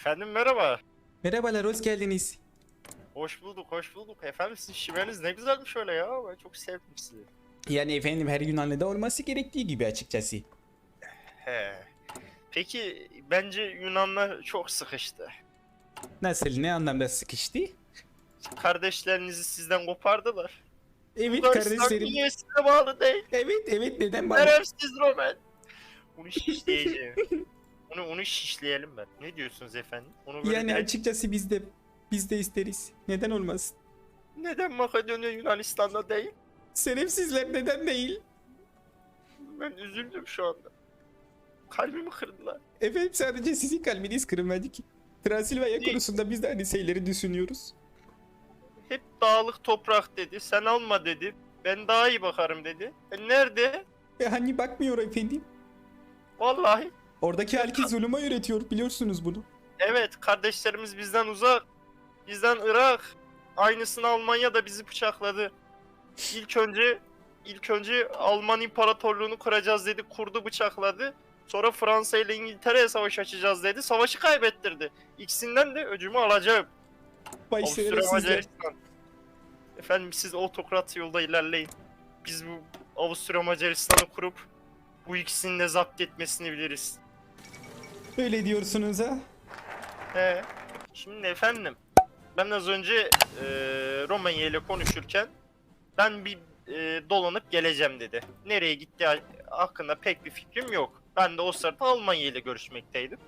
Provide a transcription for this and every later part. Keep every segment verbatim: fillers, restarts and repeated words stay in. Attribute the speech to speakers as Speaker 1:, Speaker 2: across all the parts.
Speaker 1: Efendim merhaba.
Speaker 2: Merhabalar, hoş geldiniz.
Speaker 1: Hoş bulduk, hoş bulduk. Efendim sizin şiveniz ne güzelmiş öyle ya. Ben çok sevdim sizi.
Speaker 2: Yani efendim her Yunanlı'da olması gerektiği gibi açıkçası.
Speaker 1: He. Peki bence Yunanlar çok sıkıştı.
Speaker 2: Nasıl, ne anlamda sıkıştı?
Speaker 1: Kardeşlerinizi sizden kopardılar.
Speaker 2: Evet
Speaker 1: Bulgaristan
Speaker 2: kardeşlerim.
Speaker 1: niye size bağlı değil?
Speaker 2: Evet evet neden bana?
Speaker 1: Şerefsiz Roman. Bunu şişleyeceğim. Onu, onu şişleyelim ben. Ne diyorsunuz efendim? Onu böyle
Speaker 2: Yani
Speaker 1: direkt-
Speaker 2: açıkçası biz de biz de isteriz. Neden olmasın?
Speaker 1: Neden Makedonya Yunanistan'da değil?
Speaker 2: Şerefsizler neden değil?
Speaker 1: Ben üzüldüm şu anda. Kalbimi kırdılar.
Speaker 2: Efendim sadece sizin kalbiniz kırılmadı ki. Transilvanya
Speaker 1: Değil.
Speaker 2: konusunda biz de aynı şeyleri düşünüyoruz.
Speaker 1: Hep dağlık toprak dedi. Sen alma dedi. Ben daha iyi bakarım dedi. E nerede?
Speaker 2: E hani bakmıyor efendim.
Speaker 1: Vallahi.
Speaker 2: Oradaki halkı zulüme öğretiyor, biliyorsunuz bunu.
Speaker 1: Evet, kardeşlerimiz bizden uzak. Bizden Irak. Aynısını Almanya da bizi bıçakladı. İlk önce ilk önce Alman İmparatorluğunu kuracağız dedi. Kurdu, bıçakladı. Sonra Fransa ile İngiltere'ye savaş açacağız dedi. Savaşı kaybettirdi. İkisinden de öcümü alacağım.
Speaker 2: Vay
Speaker 1: Avusturya
Speaker 2: şerefsizler.
Speaker 1: Macaristan. Efendim siz otokrat yolda ilerleyin. Biz bu Avusturya Macaristan'ı kurup bu ikisini de zapt etmesini biliriz.
Speaker 2: Öyle diyorsunuz ha?
Speaker 1: He. Şimdi efendim ben az önce e, Romanya ile konuşurken ben bir e, dolanıp geleceğim dedi. Nereye gitti hakkında pek bir fikrim yok. Ben de o sırada Almanya ile görüşmekteydim.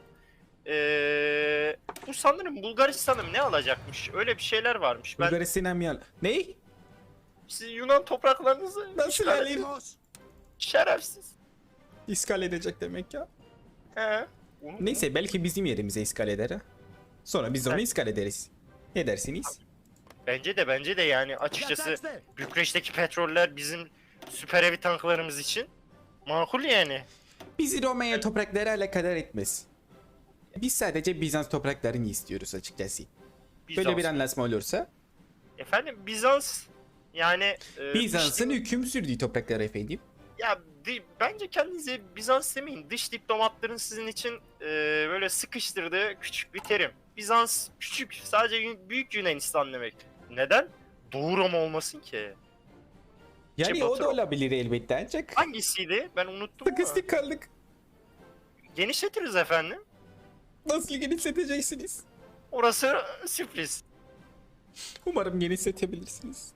Speaker 1: E, bu sanırım Bulgaristan'ım ne alacakmış? Öyle bir şeyler varmış. Ben
Speaker 2: Bulgaristan mı al? Ne?
Speaker 1: siz Yunan topraklarınızı
Speaker 2: Nasıl
Speaker 1: işgal
Speaker 2: alayım?
Speaker 1: edin. Şerefsiz.
Speaker 2: İskal edecek demek ya.
Speaker 1: He. Onu-
Speaker 2: Neyse belki bizim yerimize iskal eder ha. Sonra biz onu
Speaker 1: Evet.
Speaker 2: iskal ederiz. Ne dersiniz?
Speaker 1: Bence de bence de yani açıkçası Bükreş'teki petroller bizim süper heavy tanklarımız için makul yani.
Speaker 2: Bizi Romanya toprakları alakadar etmez. Biz sadece Bizans topraklarını istiyoruz açıkçası.
Speaker 1: Bizans.
Speaker 2: Böyle bir anlaşma olursa
Speaker 1: Efendim Bizans yani e,
Speaker 2: Bizans'ın
Speaker 1: dış-
Speaker 2: hüküm sürdüğü topraklar efendim.
Speaker 1: ya di- bence kendinize Bizans demeyin. Dış diplomatların sizin için e, böyle sıkıştırdığı küçük bir terim. Bizans küçük, sadece Yun- büyük Yunanistan demek. Neden? Doğu Roma olmasın ki.
Speaker 2: Yani
Speaker 1: Şey,
Speaker 2: o
Speaker 1: Batı-
Speaker 2: da olabilir elbette ancak
Speaker 1: Hangisiydi? Ben unuttum ama.
Speaker 2: sıkıştık kaldık.
Speaker 1: Genişletiriz efendim.
Speaker 2: Nasıl genişleteceksiniz?
Speaker 1: Orası sürpriz.
Speaker 2: Umarım genişletebilirsiniz.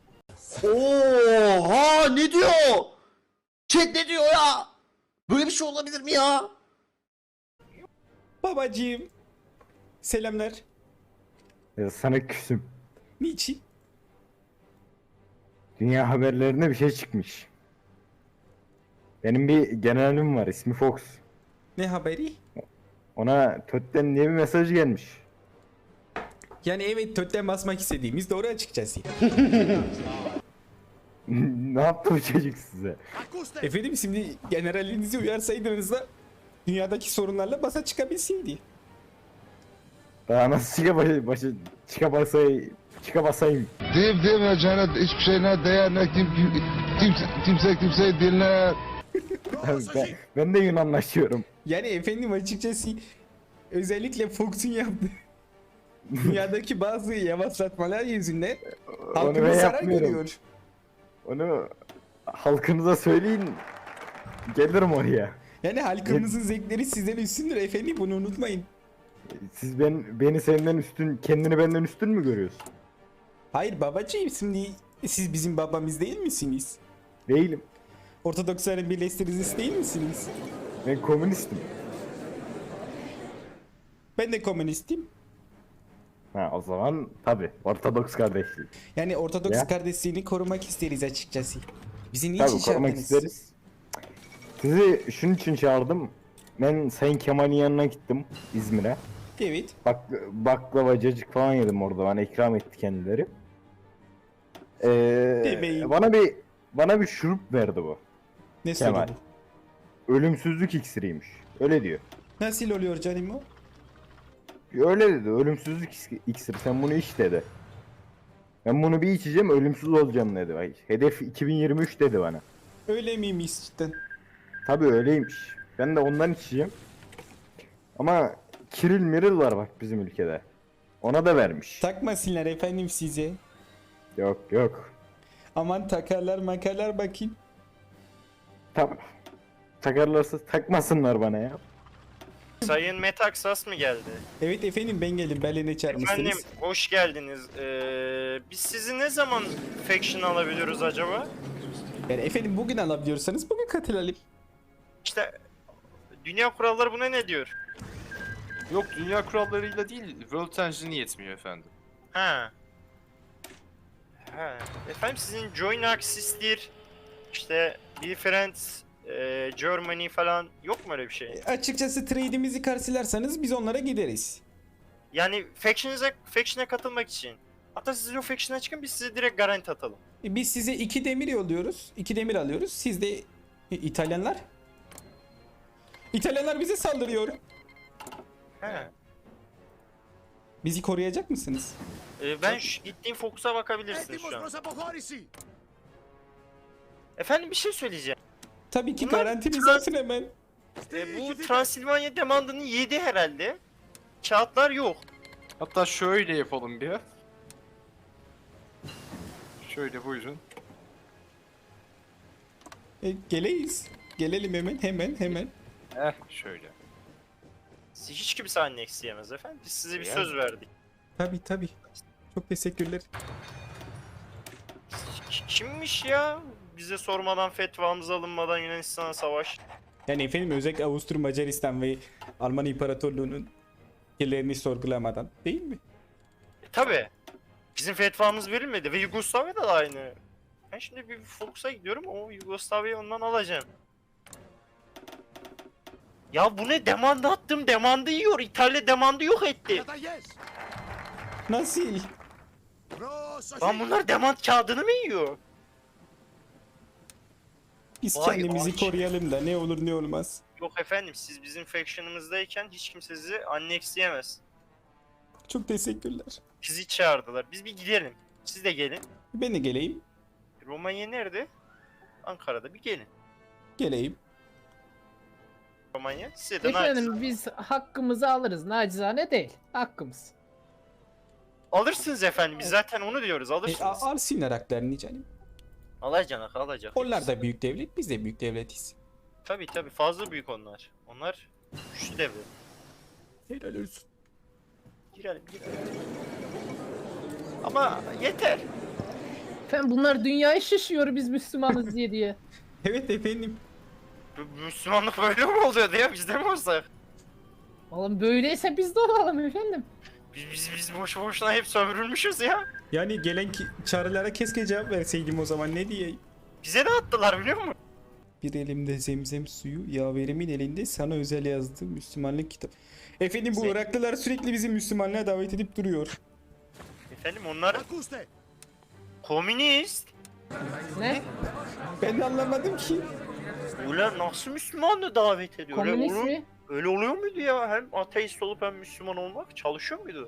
Speaker 3: Oha ne diyor? Chat ne diyor ya? Böyle bir şey olabilir mi ya?
Speaker 2: Babacığım. Selamlar.
Speaker 4: Ya sana küsüm.
Speaker 2: Niçin?
Speaker 4: Dünya haberlerinde bir şey çıkmış. Benim bir generalim var, ismi Fox.
Speaker 2: Ne haberi?
Speaker 4: Ona Tötten diye bir mesaj gelmiş.
Speaker 2: Yani evet tötten basmak istediğimiz doğru açıkçası.
Speaker 4: Ne yaptı bu çocuk size?
Speaker 2: Efendim şimdi generalinizi uyarsaydınız da dünyadaki sorunlarla basa çıkabilseydi.
Speaker 4: Daha nasıl çıka başı, başı çıka basay, çıka basayım.
Speaker 5: Deyip demeyeceğine hiçbir şeyine değer ne kim, kimse, kimse kimseyi dinler.
Speaker 4: ben, ben de Yunanlaşıyorum.
Speaker 2: Yani efendim açıkçası özellikle Fox'un yaptığı dünyadaki bazı yavaşlatmalar yüzünden
Speaker 4: Onu
Speaker 2: halkımız
Speaker 4: ben
Speaker 2: zarar
Speaker 4: yapmıyorum.
Speaker 2: görüyor.
Speaker 4: Onu halkınıza söyleyin. Gelirim oraya.
Speaker 2: Yani halkımızın zevkleri sizden üstündür efendim, bunu unutmayın.
Speaker 4: Siz ben beni senden üstün, kendini benden üstün mü görüyorsun?
Speaker 2: Hayır babacığım, şimdi siz bizim babamız değil misiniz?
Speaker 4: Değilim.
Speaker 2: Ortodoksların birleştiricisi değil misiniz?
Speaker 4: Ben komünistim.
Speaker 2: Ben de komünistim.
Speaker 4: Ha o zaman tabi Ortodoks kardeşliği.
Speaker 2: Yani Ortodoks
Speaker 4: Ya.
Speaker 2: kardeşliğini korumak isteriz açıkçası. Bizi niçin
Speaker 4: Tabii korumak
Speaker 2: çağırdınız?
Speaker 4: isteriz. Sizi şunun için çağırdım. Ben Sayın Kemal'in yanına gittim İzmir'e.
Speaker 2: Evet.
Speaker 4: Bak baklava, cacık falan yedim orada. Bana ikram etti kendileri. Ee,
Speaker 2: Demeyin.
Speaker 4: bana bir bana bir şurup verdi bu.
Speaker 2: Ne
Speaker 4: Kemal.
Speaker 2: söyledi?
Speaker 4: Ölümsüzlük iksiriymiş. Öyle diyor.
Speaker 2: Nasıl oluyor canım o?
Speaker 4: Öyle dedi. Ölümsüzlük is- iksiri. Sen bunu iç dedi. Ben bunu bir içeceğim, ölümsüz olacağım dedi. Ay, hedef iki bin yirmi üç dedi bana.
Speaker 2: Öyle miymiş cidden?
Speaker 4: Tabii öyleymiş. Ben de ondan içeceğim. Ama Kiril miril var bak bizim ülkede. Ona da vermiş.
Speaker 2: Takmasınlar efendim size.
Speaker 4: Yok yok.
Speaker 2: Aman takarlar makarlar bakayım.
Speaker 4: Tamam. Takarlarsa takmasınlar bana ya.
Speaker 1: Sayın Metaxas mı geldi?
Speaker 2: Evet efendim ben geldim. Berlin'e çağırmışsınız.
Speaker 1: Efendim hoş geldiniz. Ee, biz sizi ne zaman faction alabiliyoruz acaba?
Speaker 2: Yani efendim bugün alabiliyorsanız bugün katılalım.
Speaker 1: İşte dünya kuralları buna ne diyor?
Speaker 6: Yok dünya kurallarıyla değil, World Engine'i yetmiyor efendim.
Speaker 1: Ha. Ha. Efendim sizin Join Axis'tir, işte Be Friends, e, Germany falan yok mu öyle bir şey?
Speaker 2: Açıkçası trade'imizi karşılarsanız biz onlara gideriz.
Speaker 1: Yani faction'a faction'a katılmak için. Hatta siz o faction'a çıkın, biz size direkt garanti atalım.
Speaker 2: E, Biz size iki demir yolluyoruz. iki demir alıyoruz. Siz de E, İtalyanlar. İtalyanlar bize saldırıyor.
Speaker 1: He.
Speaker 2: Bizi koruyacak mısınız?
Speaker 1: E, ben şu gittiğim Focus'a bakabilirsiniz şu an. Efendim bir şey söyleyeceğim.
Speaker 2: Tabii ki
Speaker 1: Bunlar
Speaker 2: garantiniz
Speaker 1: trans-
Speaker 2: olsun hemen.
Speaker 1: E, bu Transilvanya demandını yedi herhalde. Kağıtlar yok.
Speaker 6: Hatta şöyle yapalım bir. Şöyle buyurun.
Speaker 2: E, geleyiz. Gelelim hemen hemen hemen.
Speaker 6: Eh şöyle.
Speaker 1: Siz hiç kimse annex yemez efendim. Biz size bir
Speaker 6: Yani.
Speaker 1: söz verdik.
Speaker 2: Tabii tabii. Çok teşekkürler.
Speaker 1: K- Kimmiş ya? Bize sormadan, fetvamız alınmadan Yunanistan'a savaş.
Speaker 2: Yani efendim özellikle Avusturya, Macaristan ve Alman İmparatorluğu'nun fikirlerini sorgulamadan değil mi?
Speaker 1: E, tabi. Bizim fetvamız verilmedi ve Yugoslavya'da da aynı. Ben şimdi bir Focus'a gidiyorum, o Yugoslavya'yı ondan alacağım. Ya bu ne? Demanda attım, demandı yiyor. İtalya demandı yok etti.
Speaker 2: Nasıl?
Speaker 1: Lan bunlar demand kağıdını mı yiyor?
Speaker 2: Biz
Speaker 1: Vay
Speaker 2: kendimizi
Speaker 1: aç.
Speaker 2: koruyalım da ne olur ne olmaz.
Speaker 1: Yok efendim, siz bizim faction'ımızdayken hiç kimse sizi annexleyemez.
Speaker 2: Çok teşekkürler.
Speaker 1: Bizi çağırdılar. Biz bir gidelim. Siz de gelin.
Speaker 2: Ben de geleyim.
Speaker 1: Romanya nerede? Ankara'da, bir gelin.
Speaker 2: Geleyim.
Speaker 1: Romanya. Size de
Speaker 7: Efendim
Speaker 1: naçizane-
Speaker 7: biz hakkımızı alırız. Nacizane değil. Hakkımız.
Speaker 1: Alırsınız efendim. Biz zaten onu diyoruz.
Speaker 2: E,
Speaker 1: Alırsınız.
Speaker 2: a- alsınlar haklarını canım.
Speaker 1: Alacak, alacak.
Speaker 2: Onlar da büyük devlet, biz de büyük devletiz.
Speaker 1: Tabii tabii, fazla büyük onlar. Onlar güçlü devlet.
Speaker 2: Helal olsun.
Speaker 1: Girelim, girelim. Ama yeter.
Speaker 7: Efendim bunlar dünyayı şişiyor biz Müslümanız diye diye.
Speaker 2: Evet efendim.
Speaker 1: Bu Müslümanlık böyle mi oluyordu ya? Biz de mi olsak?
Speaker 7: Oğlum böyleyse biz de olalım efendim.
Speaker 1: Biz, biz, biz boş boşuna hep sömürülmüşüz ya.
Speaker 2: Yani gelen ki çağrılara keşke cevap verseydim o zaman ne diyeyim.
Speaker 1: Bize de attılar biliyor musun?
Speaker 2: Bir elimde zemzem suyu, yaverimin elinde sana özel yazdığım Müslümanlık kitap. Efendim bu
Speaker 1: Zem-
Speaker 2: Iraklılar sürekli bizi Müslümanlığa davet edip duruyor.
Speaker 1: Efendim onlar komünist.
Speaker 7: Ne?
Speaker 2: Ben de anlamadım ki.
Speaker 1: Ulan nasıl Müslümanlığı davet ediyor? Öyle,
Speaker 7: Komünist
Speaker 1: olur-
Speaker 7: mi?
Speaker 1: öyle oluyor muydu ya? Hem ateist olup hem Müslüman olmak çalışıyor muydu?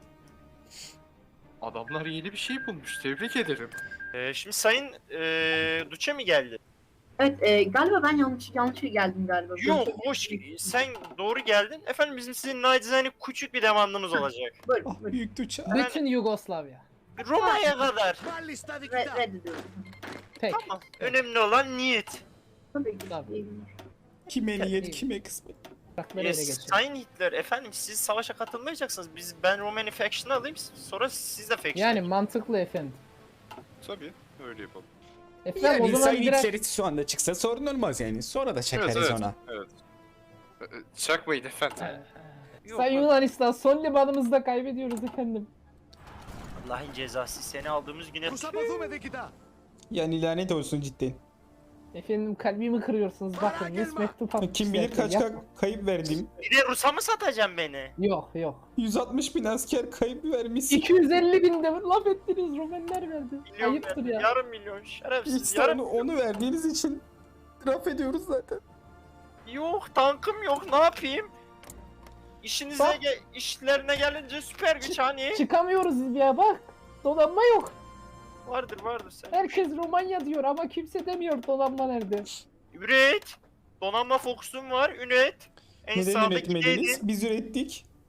Speaker 6: Adamlar yeni bir şey bulmuş. Tebrik ederim.
Speaker 1: Ee, şimdi Sayın ee, Duce mi geldi?
Speaker 8: Evet, e, galiba ben yanlış yanlış geldim galiba.
Speaker 1: Yok,
Speaker 8: Böyle-
Speaker 1: hoş. Sen doğru geldin. Efendim bizim sizin nacizane küçük bir demandımız olacak.
Speaker 8: Böyle,
Speaker 2: Ah
Speaker 8: böyle.
Speaker 2: büyük tuça.
Speaker 7: Bütün Yugoslavya.
Speaker 1: Roma'ya kadar.
Speaker 8: Re- reddediyorum.
Speaker 7: Peki.
Speaker 1: Tamam. Önemli olan niyet.
Speaker 8: Tabii ki.
Speaker 7: Tabii.
Speaker 8: iyi günler.
Speaker 2: Kime niyet
Speaker 7: İyi.
Speaker 2: kime kısmet.
Speaker 7: Bırakları
Speaker 1: Ee,
Speaker 7: ele geçirin.
Speaker 1: Sayın Hitler, efendim siz savaşa katılmayacaksınız. Biz ben Romani faction'ı alayım, sonra siz de faction.
Speaker 7: Yani mantıklı efendim.
Speaker 6: Tabii öyle yapalım.
Speaker 7: Efendim
Speaker 2: Yani
Speaker 7: o zaman
Speaker 2: Sayın
Speaker 7: biraz...
Speaker 2: İçerit şu anda çıksa sorun olmaz yani. Sonra da çakarız
Speaker 6: evet, evet,
Speaker 2: ona.
Speaker 6: evet. Ee, Çakmayın efendim.
Speaker 1: Yok,
Speaker 7: Sayın
Speaker 1: yok.
Speaker 7: Yunanistan son limanımızda kaybediyoruz efendim.
Speaker 1: Allah'ın cezası, seni aldığımız güne...
Speaker 2: Yani lanet olsun cidden.
Speaker 7: Efendim kalbimi kırıyorsunuz bakın. Mis mektup atmışlar.
Speaker 2: Kim bilir kaç
Speaker 7: Yapma.
Speaker 2: ka- kayıp verdim.
Speaker 1: Bir de Rus'a mı satacaksın beni?
Speaker 7: Yok yok.
Speaker 2: yüz altmış bin asker kayıp vermişsin.
Speaker 7: iki yüz elli bin de laf ettiniz Romenler verdi.
Speaker 1: Milyon
Speaker 7: Ayıptır
Speaker 1: verdim,
Speaker 7: ya.
Speaker 1: yarım milyon şerefsiz,
Speaker 2: İşte
Speaker 1: yarım...
Speaker 2: onu, onu verdiğiniz için laf ediyoruz zaten.
Speaker 1: Yok, tankım yok, ne yapayım? İşinize,
Speaker 7: Bak.
Speaker 1: ge- işlerine gelince süper güç hani.
Speaker 7: Çıkamıyoruz ya bak. Donanma yok.
Speaker 1: Vardır vardır sen.
Speaker 7: Herkes Romanya diyor ama kimse demiyor donanma nerede.
Speaker 1: Üret. Donanma fokusum var, üret. En
Speaker 2: Neden
Speaker 1: sağdaki
Speaker 2: üretmediniz?
Speaker 1: neydi?
Speaker 2: Biz ürettik.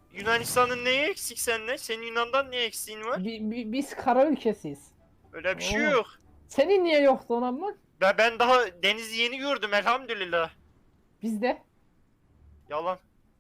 Speaker 1: Yunanistan'ın neyi eksik seninle? Senin Yunan'dan ne eksiğin var?
Speaker 7: Bi- bi- biz kara ülkesiyiz.
Speaker 1: Öyle bir şey
Speaker 7: Oğlum.
Speaker 1: yok.
Speaker 7: Senin niye yok donanman?
Speaker 1: Ben, ben daha denizi yeni gördüm elhamdülillah.
Speaker 7: Bizde.
Speaker 1: Yalan.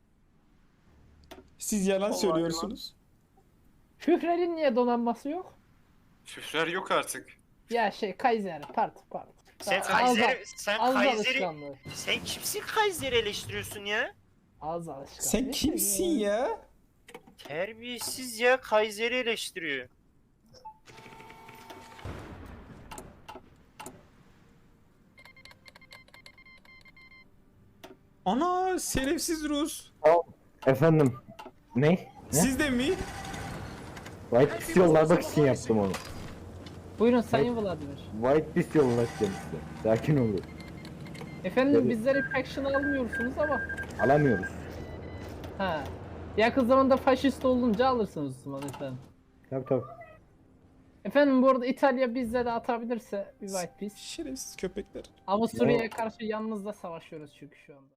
Speaker 2: Siz yalan
Speaker 1: Vallahi
Speaker 2: söylüyorsunuz.
Speaker 7: Führer'in niye donanması yok?
Speaker 6: Führer yok artık.
Speaker 7: Ya şey Kaiser, pardon pardon.
Speaker 1: Sen
Speaker 7: Ağız-
Speaker 1: Kaiser'i, sen
Speaker 7: Ağız
Speaker 1: Kaiser'i,
Speaker 7: alışkanlığı.
Speaker 1: sen kimsin Kaiser'i eleştiriyorsun ya?
Speaker 7: Ağız alışkanlığı.
Speaker 2: Sen
Speaker 7: İşte
Speaker 2: kimsin
Speaker 7: ya?
Speaker 2: ya?
Speaker 1: Terbiyesiz ya, Kaiser'i eleştiriyor.
Speaker 2: Ana şerefsiz Rus.
Speaker 4: Efendim. Ne? Ne?
Speaker 2: Siz de mi?
Speaker 4: White Piece yollamak için yaptım onu.
Speaker 7: Buyurun Sayın Vladimir.
Speaker 4: White Piece yollatacağım size. Sakin olun.
Speaker 7: Efendim
Speaker 4: Tabii.
Speaker 7: bizleri faction almıyorsunuz ama.
Speaker 4: Alamıyoruz.
Speaker 7: Ha. Yakın zamanda faşist olunca alırsınız o zaman efendim.
Speaker 4: Tabii tabii.
Speaker 7: Efendim bu arada İtalya bizde de atabilirse bir white piece.
Speaker 2: Şerefsiz köpekler.
Speaker 7: Avusturya'ya karşı yalnız da savaşıyoruz çünkü şu anda.